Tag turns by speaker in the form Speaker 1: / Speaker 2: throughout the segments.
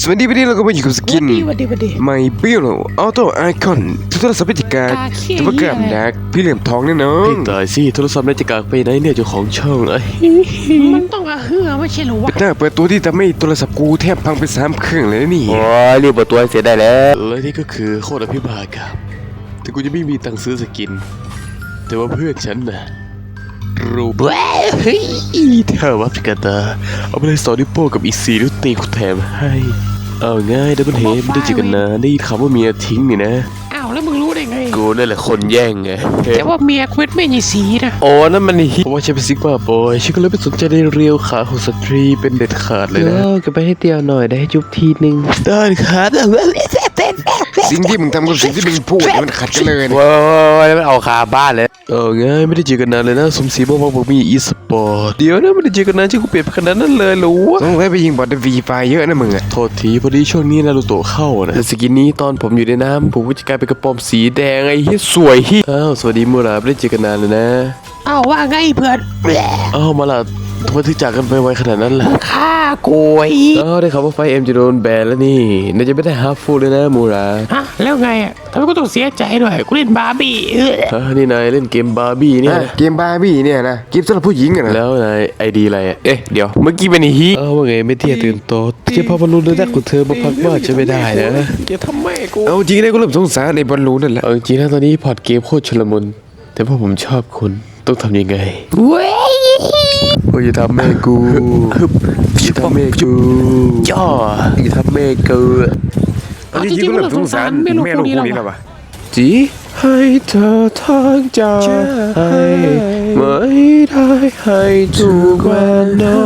Speaker 1: สวัสดีวันนี้เราก็มาอยู่กับสกิน
Speaker 2: วัดดี
Speaker 1: ไม่เบี้ยวออโต้ไอคอนโทรศัพท์พิจิกาจะประกาศดักพี่เหลี่ยมทองแน่นอน
Speaker 3: ตายสิโทรศัพท์นาฬิกาไปไหนเนี่ยเจ้าของช่องไอ้
Speaker 2: มันต้องเฮือไม่ใช่หรอวะ
Speaker 1: เป็นหน้าเปิดตัวที่ทำให้โทรศัพท์กูแทบพังไป3 เครื่องเลยนี่
Speaker 3: โอ้ยรีบเปิดตัวให้เสร็จได้แล้วและนี่ก็คือโคตรอภิบาลครับแต่กูจะไม่มีตังค์ซื้อสกิน แต่ว่าเพื่อนฉันน่ะรูปเฮ้ยเธอวับกันตาเอาไปเลย2 นิ้วโป้งกับอีก4 นิ้วตีกูแถมให้เอาง่ายดับเบิลเฮดไม่ได้เจอกันนานได้ยินคำว่าเมียทิ้งนี่นะ
Speaker 2: อ้าวแล้วมึงรู้ได้ไง
Speaker 3: กูนั่นแหละคนแย่งไง
Speaker 2: แต่ว่าเมียเควสไม่มีสีนะ
Speaker 3: โอ้นั่นมันฮิเพราะว่าฉันเป็นซิกมาบอยฉันก็เลยไม่สนใจในเรียวขาของสตรีเป็นเด็ดขาดเลยนะก็ไปให้เตียวหน่อยได้ให้จุ๊บทีนึงได้ครับ
Speaker 1: สิ่งที่มึงทำกับสิ่งที่มึงพูดมันขัดกันเลยนะ
Speaker 3: ว้าวแล้วมันเอาคาบ้านเลยง่ายไม่ได้เจอกันนานเลยนะสมศรีบอกมีอีสปอร์ตเดี๋ยวนะไม่ได้เจอกันนานที่กูเปลี่ยนไปขนาดนั้นเลยหรอวะ
Speaker 1: ต้องไปยิงบอลวีไฟเยอะนะมึงอะ
Speaker 3: โทษทีพอดีช่วงนี้นารูโตะเข้านะแต่สกินนี้ตอนผมอยู่ในน้ำผมก็จะกลายเป็นกระป๋อมสีแดงไอ้เหี้ยสวยฮิอ้าวสวัสดีมูราไม่ได้เจอกันนานเลยนะ
Speaker 2: อ้าวว่าไงเพื่อน
Speaker 3: อ้าวมาละทำไมถึงจากกันไปไวขนาดนั้นล่ะ
Speaker 2: ฆ่าโกย
Speaker 3: ได้ข่าวว่าไฟเอ็มจะโดนแบนแล้วนี่น่าจะไม่ได้ฮาร์ฟฟูลเลยนะมูรา
Speaker 2: ฮะแล้วไงอ่ะทำไมกูต้องเสียใจด้วยกูเล่นบาร์บี้
Speaker 3: นี่นายเล่นเกมบาร์บี้เนี่ย
Speaker 1: เกมบาร์บี้เนี่ยนะเกมสำหรับผู้หญิงอะนะ
Speaker 3: แล้วนายไอดีอะไรเอ๊ะเดี๋ยวเมื่อกี้เป็นฮีว่าไงไม่เที่ยตื่นโตเจ้าพ่อบอลลูนได้ของเธอมาพักบ้านจะไม่ได้นะ
Speaker 2: จะทำไมกู
Speaker 1: เอาจริงนะกูเริ่มสงสารในบอลลูนนั่นแหละ
Speaker 3: เอาจริงๆนะตอนนี้พอร์ตเกมโคตรชลมุนแต่พอผมชอบคุณต้องทำยังไง
Speaker 2: เว้ย
Speaker 3: โอ้ยอย่าทำแม่กูอย่าทำแม่กูย่ออย่าทำแม่กู
Speaker 1: เอาจริงๆกูเริ่มสงสารแม่ลูกคู่นี้แล้ววะ
Speaker 3: จีให้เธอทางใจให้ไม่ได้ให้ทุกวันนอก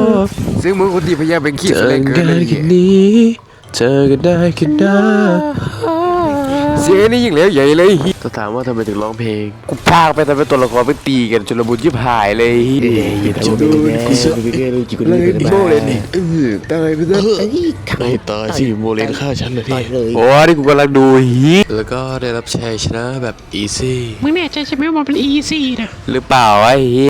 Speaker 1: ซึ่งมึงคนที่พยายามเป็นขี้
Speaker 3: เจ
Speaker 1: แส
Speaker 3: อ
Speaker 1: ดงเกิ
Speaker 3: กัน น
Speaker 1: เลย
Speaker 3: แค่นี้เจอกันได้แค่นั้น
Speaker 1: เสียงนี่ยิ่งแล้วใหญ่เลย
Speaker 3: ถ้าถามว่าทำไมถึงร้องเพลงกูพากไปทำให้ตัวละครไปตีกันจนระบุยิบหายเลยอย่าทำแบบนี้กูเสือกไปแก้เลยจิกเลยโมเลน
Speaker 1: ตายไปซะ
Speaker 3: ไม่ตายสิโมเลนฆ่าฉันเลยโอ้นี่กูกำลังดูฮีแล้วก็ได้รับชัยชนะแบบอีซี่
Speaker 2: มึงแน่ใจใช่ไหมว่ามันเป็นอีซี่นะ
Speaker 3: หรือเปล่าไอ้